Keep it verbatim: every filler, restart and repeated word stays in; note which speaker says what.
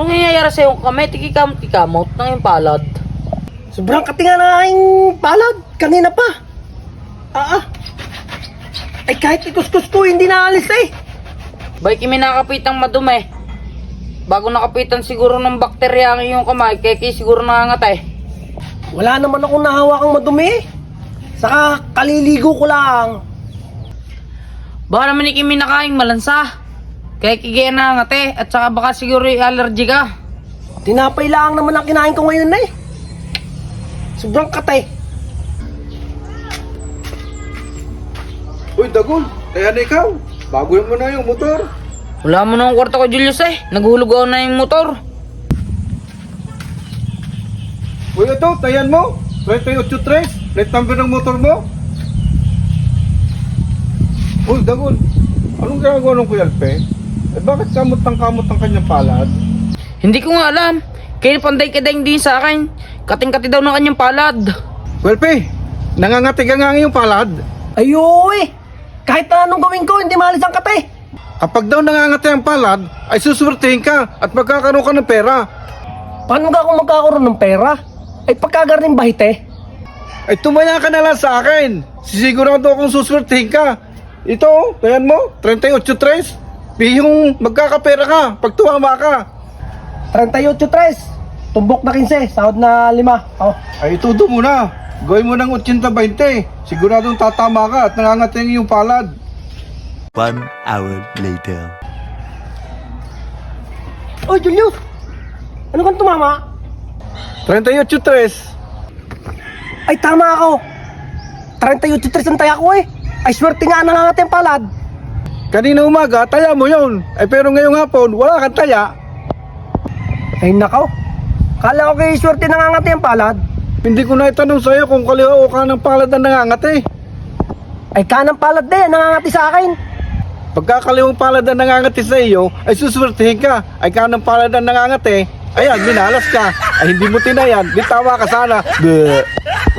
Speaker 1: Anong nangyayari sa'yo kamay? Tikikamot-tikamot ng yung palad.
Speaker 2: Sobrang katinga na aking palad. Kanina pa. Ah, ah. Ay kahit ikuskus ko, hindi naalis eh.
Speaker 1: Bay kimi nakapitang madumi. Bago nakapitan siguro ng bakterya ang iyong kamay, kaya kaya siguro nangangatay.
Speaker 2: Wala naman akong nahawakang madumi eh. Saka kaliligo ko lang.
Speaker 1: Baka naman ikimi nakaing malansa. Kaya kigaya nangangate at saka baka siguro yung allergy ka.
Speaker 2: Tinapay lang naman ang kinain ko ngayon eh. Sobrang katay.
Speaker 3: Uy, Dagol, kaya na ikaw. Bago mo na yung motor.
Speaker 1: Wala mo na ang kwarto ko, Julius eh. Naghulog ako na yung motor.
Speaker 3: Uy, ito, tayan mo. twenty-eight tres, plate number ng motor mo. Uy, Dagol, anong ginagawa ng Kuya Alpe? Eh, bakit kamot ng kamot ng kanyang palad?
Speaker 1: Hindi ko nga alam. Kaya panday-kaday din sa akin. Kating-kati daw ng kanyang palad.
Speaker 3: Kuya Alpe, nangangati ka nga yung palad.
Speaker 2: Ayoy! Kahit na anong gawin ko, hindi maalis ang katay.
Speaker 3: Kapag daw nangangati ang palad, ay susuwertihin ka at magkakaroon ka ng pera.
Speaker 2: Paano nga ako magkakaroon ng pera? Ay pagkagaring bahit eh.
Speaker 3: Ay tumaya ka na lang sa akin. Sisigurado akong susuwertihin ka. Ito, tayan mo, thirty-eight tres. Bihong magkakapera ka pag tumama ka.
Speaker 2: thirty-eight tres. Tumbok na quince, sahod na lima. Oh.
Speaker 3: Ay itudo mo na. Gawin mo ng eighty twenty. Siguradong tatama ka at nangangating yung palad.
Speaker 4: One hour later.
Speaker 2: Oy, Julius! Ano kang tumama?
Speaker 3: thirty-eight tres.
Speaker 2: Ay, tama ako. thirty-eight tres ang taya ko eh. Ay, swerte nga nangangat yung palad.
Speaker 3: Kanina umaga, taya mo yun. Ay pero ngayong hapon, wala kang taya.
Speaker 2: Ay, nakaw. Kala ko kayo swerte nangangat yung palad.
Speaker 3: Hindi ko na itanong sa'yo kung kaliwa o kanang palad ang nangangati.
Speaker 2: Ay, kanang palad din, nangangati sa akin.
Speaker 3: Pagkakaliwang palad ang nangangati sa iyo, ay suswertihin ka. Ay kanang palad ang nangangati, ayan, minalas ka. Ay hindi mo tinayan, bitawa ka sana. Bleh.